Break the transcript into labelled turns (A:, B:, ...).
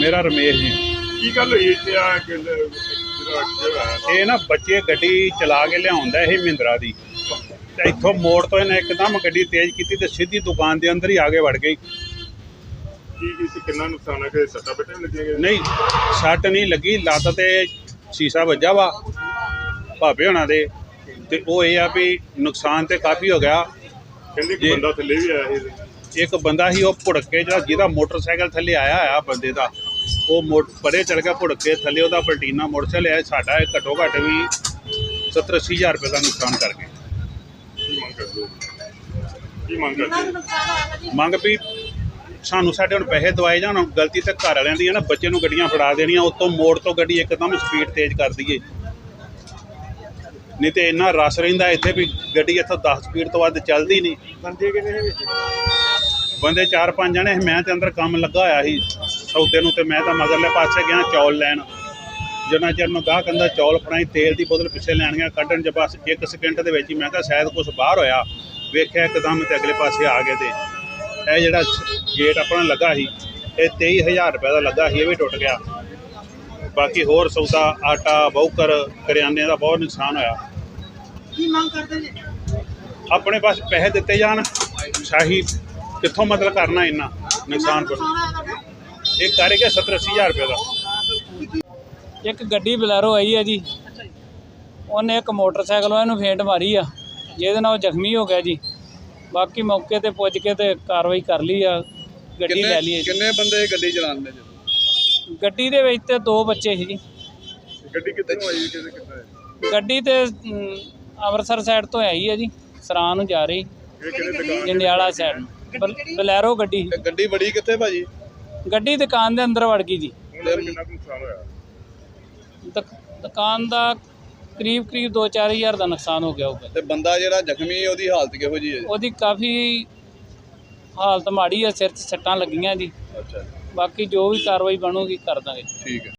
A: मेरा रमेश जी।
B: की गल हुई इत्थे आ
A: ये ना बच्चे गड्डी चला के लिया महिंद्रा की, इतों मोड़ तो इन्हें एकदम गड्डी तेज की तो सीधी दुकान के अंदर ही आगे वड़ गई।
B: कितना नुकसान है? सट्टा पेटे लगे?
A: नहीं सट नहीं लगी, लत्त ते शीशा वज्जा वा भापे होना दे ते वो ये भी नुकसान तो काफ़ी हो गया।
B: कहंदे कि बंदा थल्ले भी आया ही,
A: एक बंदा ही वो भुड़क के जिहदा मोटरसाइकिल थल्ले आया है बंदे का, वो परे चढ़ गया भुड़क के थल्ले, वह पलटीना मोटरसाइकिल है साडा घट्टो घट्ट भी 70-80 हज़ार रुपये का नुकसान कर गए। मंग भी सानू साडे हुण पैसे दवाए जाण, गलती तो घर वालियां दी है ना, बच्चे नूं गड्डियां फड़ा देनियां, उत्तों मोड़ तो गड्डी एकदम स्पीड तेज कर दईए, नहीं तो इन्ना रश रहिंदा इत्थे भी गड्डी इत्थों 10 स्पीड तो वध चलदी नहीं।
B: बंदे किन्ने विच?
A: बंदे 4-5 जने, मैं तो अंदर काम लगा होया ही सौदे नूं, ते मैं तो मगरले पासे गया चौल लैन, जिन्ना चिर मैं गाहक अंदर चौल फड़ाई, तेल की बोतल पिछे लैन गया, कड्ढण च बस 1 सेकंड दे विच ही मैं कहा शायद कुछ बाहर होया, वेख्या एकदम ते अगले पासे आ गए। तो यह जिहड़ा गेट अपना लगा ही, ये 23,000 रुपये का लगा ही, ये भी टुट गया। बाकी होर सौदा आटा बहुकर करियाने का बहुत नुकसान होया। अपने पास पैसे दिते जान, शाही कितों मतलब करना इन्ना नुकसान पर, एक कर गया 70-80 हज़ार रुपये का।
C: एक गड्डी बलैरो आई है जी, उन्हें एक मोटरसाइकिल वाले फेंट मारी आ, जिहदे नाल जख्मी हो गया जी। बाकी मौके ते पुज के ते कार्रवाई कर ली आ, गड्डी लै ली है।
D: किन्ने बंदे गड्डी चलाने?
C: गड्डी दे विच ते 2 बच्चे ही जी।
B: गड्डी कित्थों आई कित्थे?
C: गड्डी ते अमृतसर साइड तो आई है जी, सरां नूं जा रही, जंडियाला साइड बलैरो गड्डी।
D: गड्डी बड़ी कित्थे भाजी?
C: गड्डी दुकान दे अंदर वड़ गई जी।
B: कितना नुकसान होया?
C: दुकान का करीब 2-4 हज़ार का नुकसान हो गया होगा।
D: ते बंदा जिहड़ा जख्मी है उसदी हालत किहो जी है?
C: ਉਹਦੀ काफ़ी हालत माड़ी है, सिर 'ਚ सट्टां लगियां जी।
D: अच्छा,
C: बाकी जो भी कार्रवाई बनूगी कर देंगे।
D: ठीक है।